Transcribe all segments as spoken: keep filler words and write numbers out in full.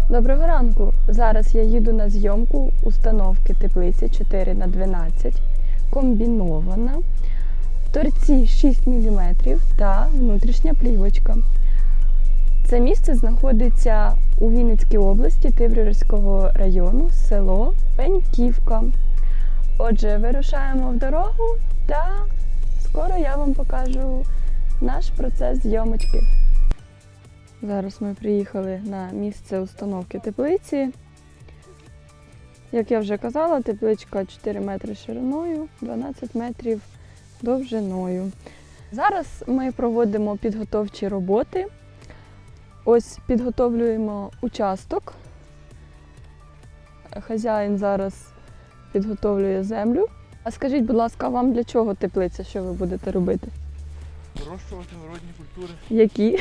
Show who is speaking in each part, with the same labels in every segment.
Speaker 1: Доброго ранку! Зараз я їду на зйомку установки теплиці чотири на дванадцять, комбінована, торці шість міліметрів та внутрішня плівочка. Це місце знаходиться у Вінницькій області, Тиврівського району, село Пеньківка. Отже, вирушаємо в дорогу та скоро я вам покажу наш процес зйомочки. Зараз ми приїхали на місце установки теплиці. Як я вже казала, тепличка чотири метри шириною, дванадцять метрів довжиною. Зараз ми проводимо підготовчі роботи. Ось підготовлюємо участок. Хазяїн зараз підготовлює землю. А скажіть, будь ласка, вам для чого теплиця? Що ви будете робити?
Speaker 2: Вирощувати городні культури.
Speaker 1: Які?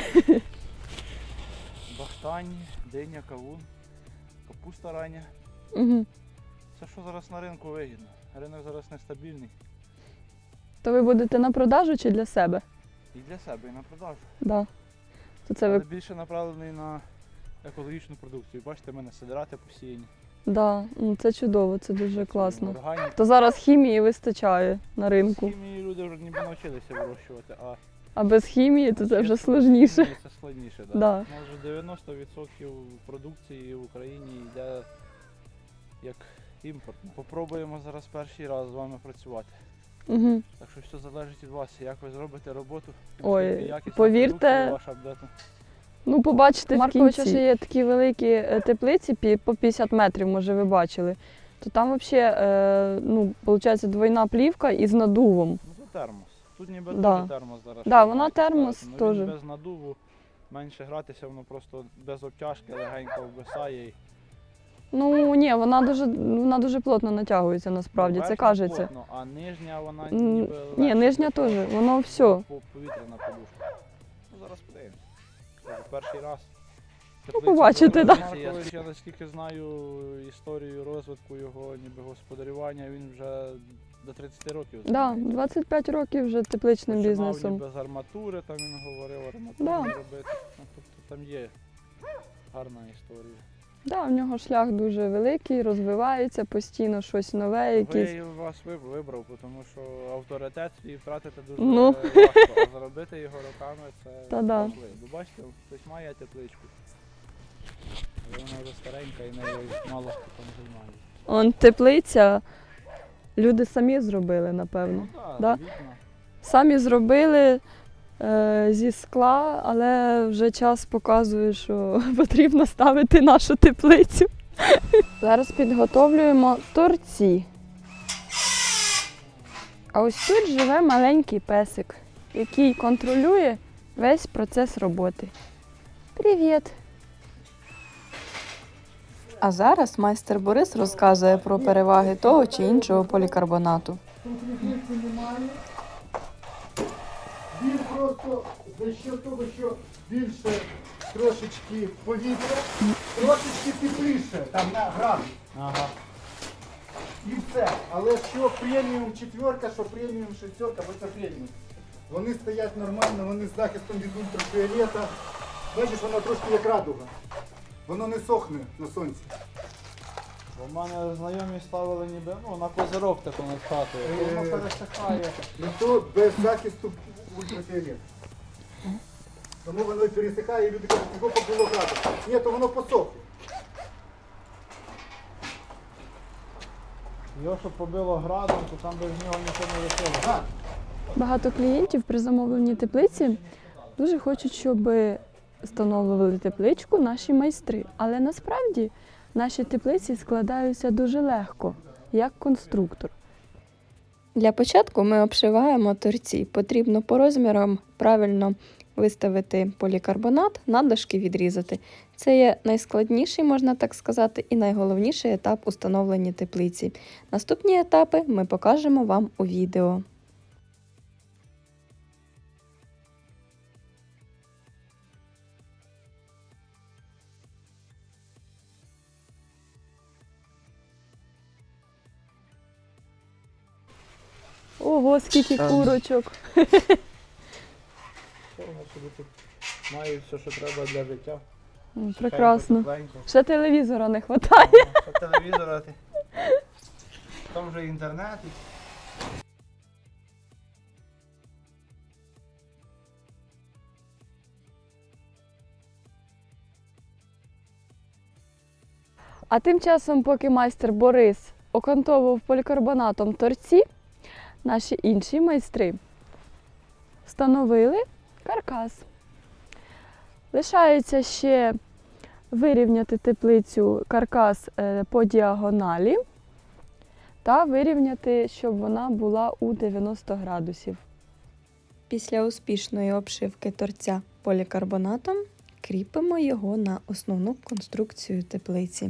Speaker 2: Баштані, диня, кавун, капуста рання.
Speaker 1: Угу.
Speaker 2: Це що зараз на ринку вигідно. Ринок зараз нестабільний.
Speaker 1: То ви будете на продажу чи для себе?
Speaker 2: І для себе, і на продажу.
Speaker 1: Да. То це
Speaker 2: Але
Speaker 1: ви...
Speaker 2: більше направлений на екологічну продукцію. Бачите, в мене сидирати посіяні.
Speaker 1: Да, ну, це чудово, це дуже класно.
Speaker 2: Органіка.
Speaker 1: То зараз хімії вистачає на ринку.
Speaker 2: З хімії люди вже ніби навчилися вирощувати, а
Speaker 1: А без хімії то це вже сложніше.
Speaker 2: це складніше. Да.
Speaker 1: Да.
Speaker 2: Може дев'яносто відсотків продукції в Україні йде як імпортна. Попробуємо зараз перший раз з вами працювати.
Speaker 1: Угу.
Speaker 2: Так що все залежить від вас, як ви зробите роботу.
Speaker 1: Ой,
Speaker 2: якісна
Speaker 1: повірте,
Speaker 2: продукція ваша буде.
Speaker 1: Ну, побачите, в Марковича
Speaker 2: кінці.
Speaker 1: ще є такі великі е, теплиці пі- по п'ятдесят метрів, може ви бачили. То там взагалі, е, ну, виходить, двойна плівка із надувом.
Speaker 2: Ну це термос. Тут ніби
Speaker 1: Да.
Speaker 2: дуже термос зараз.
Speaker 1: Да,
Speaker 2: що
Speaker 1: вона
Speaker 2: маєте
Speaker 1: термос
Speaker 2: ставити. Ну,
Speaker 1: теж.
Speaker 2: він без надуву, менше гратися, воно просто без обтяжки легенько ввисає.
Speaker 1: Ну, ні, вона дуже, вона дуже плотно натягується насправді, це кажеться.
Speaker 2: Плотно, а нижня вона
Speaker 1: М,
Speaker 2: ніби
Speaker 1: Ні,
Speaker 2: легше
Speaker 1: нижня
Speaker 2: для того,
Speaker 1: теж,
Speaker 2: щоб
Speaker 1: воно все.
Speaker 2: по- Повітряна подушка. Ну зараз подивимось. Це перший раз. Теплицю
Speaker 1: побачите,
Speaker 2: зробили.
Speaker 1: да.
Speaker 2: Я, я наскільки знаю історію розвитку його ніби господарювання, він вже до тридцяти років.
Speaker 1: Да,
Speaker 2: займається.
Speaker 1: двадцять п'ять років вже тепличним
Speaker 2: Починав
Speaker 1: бізнесом.
Speaker 2: ніби з арматури, там він говорив, арматуру
Speaker 1: Да.
Speaker 2: робити. Ну, тобто там є гарна історія.
Speaker 1: Да, в нього шлях дуже великий, розвивається постійно щось нове, якісь.
Speaker 2: Ви вас виб- вибрав, тому що авторитет свій втратити дуже
Speaker 1: Ну.
Speaker 2: важко, а заробити його роками це
Speaker 1: Та да.
Speaker 2: важливо. Бо бачите, хтось має тепличку, але вона вже старенька і нею мало хто там займається.
Speaker 1: Он теплиця, люди самі зробили, напевно.
Speaker 2: Ну так,
Speaker 1: Да?
Speaker 2: вікна.
Speaker 1: Самі зробили е, зі скла, але вже час показує, що потрібно ставити нашу теплицю. Зараз підготовлюємо торці. А ось тут живе маленький песик, який контролює весь процес роботи. Привіт! А зараз майстер Борис розказує про переваги того чи іншого полікарбонату.
Speaker 3: Він просто за що того, що більше трошечки повітря, трошечки тепліше, там на градус.
Speaker 2: Ага.
Speaker 3: І все. Але що преміум четверка, що преміум шестерка, бо це преміум. Вони стоять нормально, вони з захистом від ультрафіолета. Бачиш, воно трошки як радуга. Воно не сохне на сонці.
Speaker 2: Бо в мене знайомі ставили ніби ну, на козирок таку над хатою, то воно пересихає.
Speaker 3: І то без захисту ультрафіолету. Тому воно і пересихає, і люди кажуть, його побило градус. Ні, то воно посохло.
Speaker 2: Його щоб побило градом, то там без нього нічого не виходить.
Speaker 3: Так.
Speaker 1: Багато клієнтів при замовленні теплиці дуже хочуть, щоб встановлювали тепличку наші майстри. Але насправді наші теплиці складаються дуже легко, як конструктор. Для початку ми обшиваємо торці. Потрібно по розмірам правильно виставити полікарбонат, надлишки відрізати. Це є найскладніший, можна так сказати, і найголовніший етап установлення теплиці. Наступні етапи ми покажемо вам у відео. Ого, скільки курочок.
Speaker 2: Що воно собі тут має все, що треба для життя.
Speaker 1: М, Прекрасно.
Speaker 2: Тепленько.
Speaker 1: Ще телевізора не вистачає.
Speaker 2: Ага, по телевізору. ти. Там вже інтернет. і-
Speaker 1: А тим часом, поки майстер Борис окантовував полікарбонатом торці, наші інші майстри встановили каркас. Лишається ще вирівняти теплицю каркас е, по діагоналі та вирівняти, щоб вона була у дев'яносто градусів. Після успішної обшивки торця полікарбонатом кріпимо його на основну конструкцію теплиці.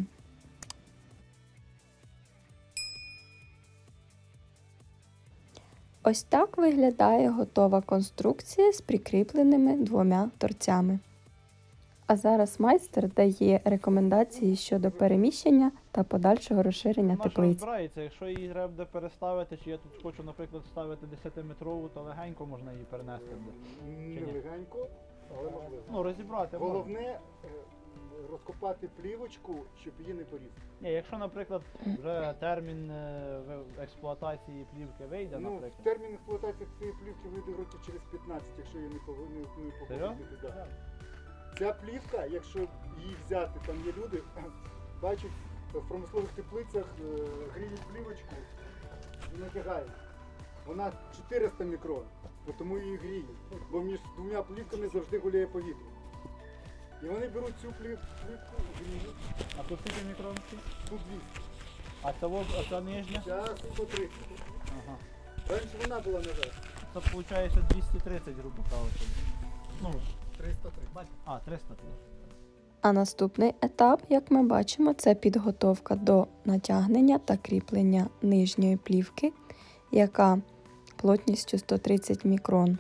Speaker 1: Ось так виглядає готова конструкція з прикріпленими двома торцями. А зараз майстер дає рекомендації щодо переміщення та подальшого розширення
Speaker 2: Вона ж
Speaker 1: теплиці.
Speaker 2: розбирається, якщо її треба буде переставити, чи я тут хочу, наприклад, ставити десятиметрову, то легенько можна її перенести буде.
Speaker 3: Не
Speaker 2: ні?
Speaker 3: легенько, але можливо.
Speaker 2: Ну, розібрати можна.
Speaker 3: Головне е, розкопати плівочку, щоб її не порізати.
Speaker 2: Ні, якщо, наприклад, вже термін е, в- експлуатації плівки вийде,
Speaker 3: Ну,
Speaker 2: наприклад.
Speaker 3: термін експлуатації цієї плівки вийде років через п'ятнадцять, якщо я не повинен не
Speaker 2: Серйозно?
Speaker 3: погодити. Да. Ця плівка, якщо її взяти, там є люди, бачать, в промислових теплицях е, гріють плівочку і натягають. Вона чотириста мікрон, бо тому її гріють. Бо між двома плівками завжди гуляє повітря. І вони беруть цю плів, плівку, гріють,
Speaker 2: А тут скільки мікронки?
Speaker 3: тут двісті.
Speaker 2: А це, во- а це нижня?
Speaker 3: Зараз сто тридцять.
Speaker 2: Ага.
Speaker 3: Раніше вона була наверх.
Speaker 2: Це виходить двісті тридцять, грубо кажучи. Ну,
Speaker 3: триста тридцять.
Speaker 2: а, триста тридцять.
Speaker 1: А наступний етап, як ми бачимо, це підготовка до натягнення та кріплення нижньої плівки, яка плотністю сто тридцять мікрон.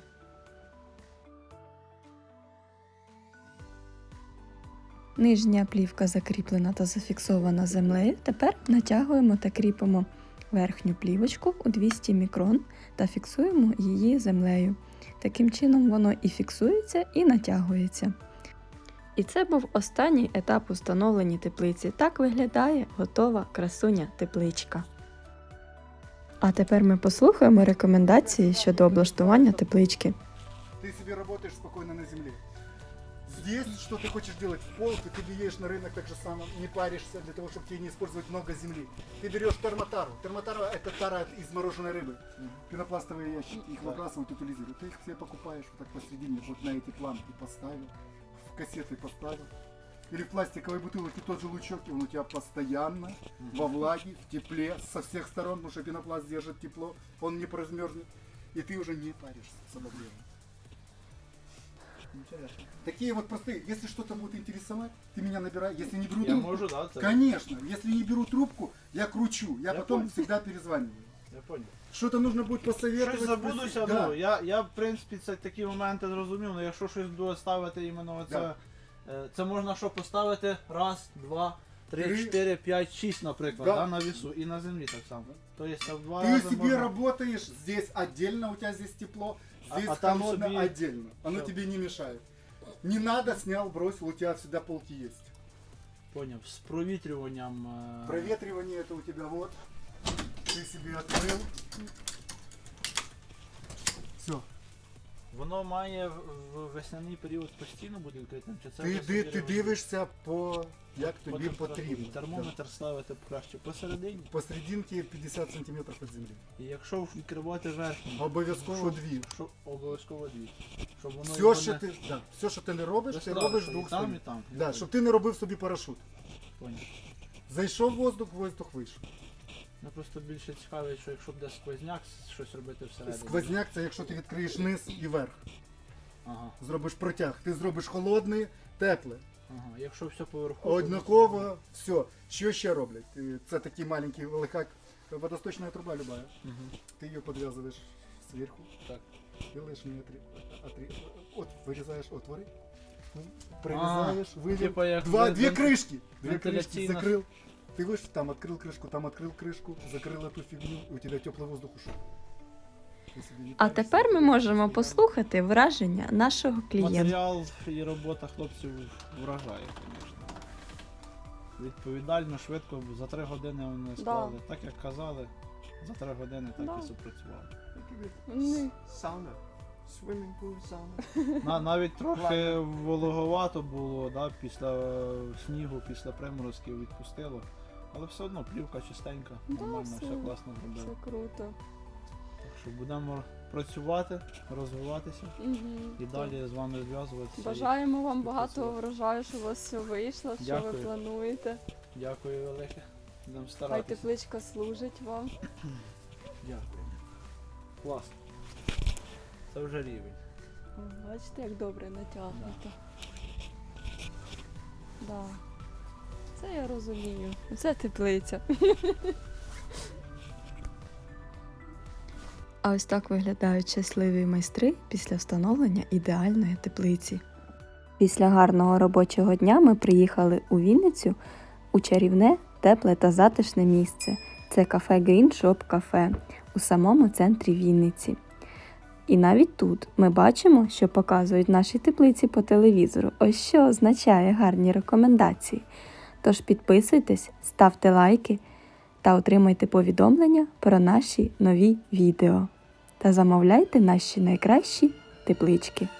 Speaker 1: Нижня плівка закріплена та зафіксована землею. Тепер натягуємо та кріпимо верхню плівочку у двісті мікрон та фіксуємо її землею. Таким чином воно і фіксується, і натягується. І це був останній етап установлення теплиці. Так виглядає готова красуня тепличка. А тепер ми послухаємо рекомендації щодо облаштування теплички.
Speaker 3: Ты себе работаешь спокойно на земле. Здесь, что ты хочешь делать в пол, ты, ты едешь на рынок так же само, не паришься для того, чтобы тебе не использовать много земли. Ты берешь термотару. Термотара это тара из мороженой рыбы. Пенопластовые ящики, их выбрасывают, утилизируют. Ты их себе покупаешь вот так посередине, вот на эти планки поставил, в кассеты поставил. Или в пластиковой бутылке тот же лучок, и он у тебя постоянно во влаге, в тепле, со всех сторон, потому что пенопласт держит тепло, он не размерзнет, и ты уже не паришься с обогревом.
Speaker 2: Інтересно.
Speaker 3: Такие вот простые. Если что-то будет интересовать, ты меня набирай. Если не беру
Speaker 2: Я
Speaker 3: трубку,
Speaker 2: можу, да, це?
Speaker 3: конечно. Если не беру трубку, я кручу. Я,
Speaker 2: Я
Speaker 3: потом
Speaker 2: понял.
Speaker 3: всегда перезваниваю.
Speaker 2: Я понял.
Speaker 3: Что-то нужно будет посоветовать.
Speaker 2: Щось забудуся,
Speaker 3: спросить. Да.
Speaker 2: ну, я, я в принципі це такі моменти зрозумів, але якщо щось буде ставити іменно оце,
Speaker 3: Да.
Speaker 2: е, це можна що поставити раз, два, три,
Speaker 3: Три.
Speaker 2: чотири, п'ять, шість, наприклад,
Speaker 3: Да.
Speaker 2: да, на вісу і на землі так само. Тобто це в два
Speaker 3: Ты
Speaker 2: рази
Speaker 3: себе
Speaker 2: можна...
Speaker 3: работаешь здесь отдельно, у тебя здесь тепло,
Speaker 2: А-
Speaker 3: здесь
Speaker 2: а там
Speaker 3: холодно
Speaker 2: себе-
Speaker 3: отдельно. Оно
Speaker 2: Всё.
Speaker 3: тебе не мешает. Не надо, снял, бросил, у тебя всегда полки есть.
Speaker 2: Поняв, з провітрюванням. е,
Speaker 3: Проветривание это у тебя вот. Ты себе открыл. Все.
Speaker 2: Воно має в в весняний період постійно бути відкритим, чи це
Speaker 3: Ти,
Speaker 2: вже
Speaker 3: ди-
Speaker 2: собі
Speaker 3: ти
Speaker 2: регулює?
Speaker 3: дивишся по як
Speaker 2: По
Speaker 3: тобі
Speaker 2: температурі.
Speaker 3: потрібно.
Speaker 2: Термометр ставити краще посередині.
Speaker 3: Посерединки п'ятдесят сантиметрів від землі.
Speaker 2: І якщо відкривати верхню,
Speaker 3: Обов'язково
Speaker 2: щоб-
Speaker 3: дві.
Speaker 2: щоб- обов'язково дві. Щоб воно
Speaker 3: Все,
Speaker 2: його
Speaker 3: що
Speaker 2: не
Speaker 3: ти, да, все, що ти не робиш, ти
Speaker 2: розтратило,
Speaker 3: робиш з
Speaker 2: і
Speaker 3: двох
Speaker 2: там, і
Speaker 3: сторін.
Speaker 2: там.
Speaker 3: Да, щоб ти не робив собі парашут.
Speaker 2: Поняв.
Speaker 3: Зайшов воздух, воздух вийшов.
Speaker 2: Ну просто більше цікавить, що якщо буде сквозняк, щось робити всередині.
Speaker 3: Сквозняк це якщо ти відкриєш низ і верх.
Speaker 2: Ага,
Speaker 3: Зробиш протяг. Ти зробиш холодне, тепле.
Speaker 2: ага. Якщо все поверху.
Speaker 3: Однаково, все. Що ще роблять? Е, Це такий маленький лайфхак. Водосточна труба любая.
Speaker 2: Угу.
Speaker 3: Ты ее подвязываешь сверху,
Speaker 2: Так.
Speaker 3: делаешь мне отри... отри... от, вырезаешь отворы, прорезаешь, вывел.
Speaker 2: Типа як
Speaker 3: Два,
Speaker 2: вен-
Speaker 3: две
Speaker 2: вен-
Speaker 3: крышки, две крышки
Speaker 2: вентиляційна-
Speaker 3: закрыл. Ты вышел, там открыл крышку, там открыл крышку, закрыл эту фигню, и у тебя теплый воздух ушел.
Speaker 1: А тепер ми можемо послухати враження нашого клієнта.
Speaker 2: Матеріал і робота хлопців вражає, звісно. Відповідально, швидко, за три години вони склали. Так як казали, за три години так
Speaker 1: Да.
Speaker 2: і запрацювали.
Speaker 1: Вони
Speaker 4: Сауна. Swimming pool, сауна.
Speaker 2: На, навіть трохи вологовато було, да, після е, снігу, після приморозків відпустило. Але все одно плівка чистенька,
Speaker 1: Да,
Speaker 2: нормально,
Speaker 1: все.
Speaker 2: все класно зробили.
Speaker 1: все круто.
Speaker 2: Так що будемо працювати, розвиватися
Speaker 1: Мгм.
Speaker 2: і далі з вами зв'язуватися.
Speaker 1: Бажаємо вам багато
Speaker 2: співпрацювати.
Speaker 1: врожаю, щоб у вас все вийшло, що ви
Speaker 2: Дякую.
Speaker 1: плануєте.
Speaker 2: Дякую велике. Будемо
Speaker 1: Хай
Speaker 2: старатися.
Speaker 1: тепличка служить вам.
Speaker 2: Дякую. Класно. Це вже рівень.
Speaker 1: О, бачите, як добре натягнуто. Да. Це я розумію. Це теплиця. А ось так виглядають щасливі майстри після встановлення ідеальної теплиці. Після гарного робочого дня ми приїхали у Вінницю у чарівне, тепле та затишне місце. Це кафе Green Shop Cafe у самому центрі Вінниці. І навіть тут ми бачимо, що показують наші теплиці по телевізору. Ось що означає гарні рекомендації. Тож підписуйтесь, ставте лайки та отримайте повідомлення про наші нові відео. Та замовляйте наші найкращі теплички.